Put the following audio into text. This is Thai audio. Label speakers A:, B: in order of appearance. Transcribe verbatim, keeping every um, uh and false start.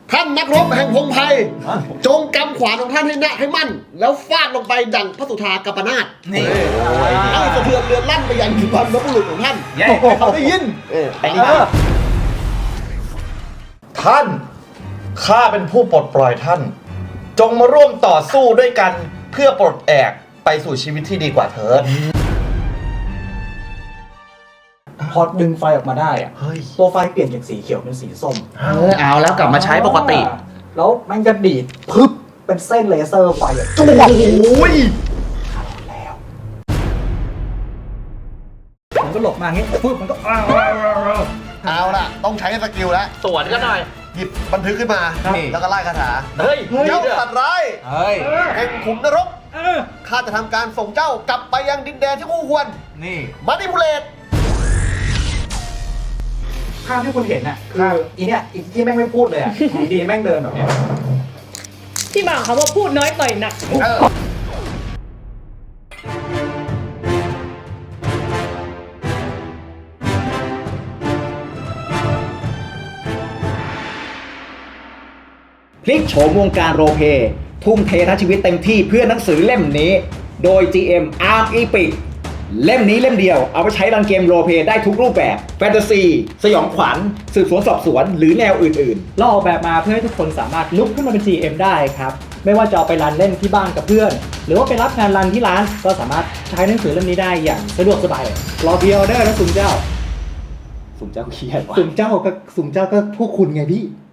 A: ท่านนักรบแห่งพงไพรจงกำขวานของท่านให้แน่ให้มั่น แล้วฟาดลงไปดังพระสุธากัปนาตนี่ให้สะเทือนเรือนลั่นไปยังบรรพบุรุษของท่านให้เขาได้ยินไอ้นี่
B: ท่านข้าเป็นผู้ปลดปล่อยท่านจงมาร่วมต่อสู้ด้วยกันเพื่อปลดแอกไปสู่ชีวิตที่ดีกว่าเถิด
C: พอดึงไฟออกมาได้อะตัวไฟเปลี่ยนจากสีเขียวเป็นสีส้ม
D: เออเอาแล้วกลับมาใช้ปกติ
C: แล้วมันจะดีดพึบเป็นเส้นเลเซอร์ไฟจุ๊บ
B: โอ้ย
C: แล้วผมก็หลบมาอย่างงี้ปึ๊บมันก็อ้าว
A: เอาล่ะต้องใช้สกิลแล้ว
D: สวนกันหน่อย
A: หยิบบันทึกขึ้นมาแล้วก็ไล่คาถา
D: เฮ้ย
A: เจ้าสัตว์ร้าย
D: เฮ้ย
A: แห่งขุมนรกข้าจะทำการส่งเจ้ากลับไปยังดินแดนที่คู่ควร
D: นี่
A: มาดิพูเลต
C: ภาพที่คุณเห็นน่ะคืออีเนี่ยอีที่แม่งไม่พูดเลยอ่ะดีแม่งเดินแบบเนี้ย
E: ที่มาเขาว่าพูดน้อยต่อยหนัก
F: พลิกโฉมวงการโรลเพลย์ทุ่มเททั้งชีวิตเต็มที่เพื่อหนังสือเล่มนี้โดย จี เอ็ม Arm Epic เล่มนี้เล่มเดียวเอาไปใช้รันเกมโรลเพลย์ได้ทุกรูปแบบแฟนตาซีสยองขวัญสืบสวนสอบสวนหรือแนวอื่น
G: ๆเราออกแบบมาเพื่อให้ทุกคนสามารถลุกขึ้นมาเป็น จี เอ็ม ได้ครับไม่ว่าจะเอาไปรันเล่นที่บ้านกับเพื่อนหรือว่าไปรับงานรันที่ร้านก็สามารถใช้หนังสือเล่มนี้ได้อย่างสะดวกสบายรอพรีออเดอร์นะสุ่มเจ้า
F: สุ่มเจ้าเคียดวะ
G: สุ่มเจ้าก็สุ่มเจ้าก็พวกคุณไงพี่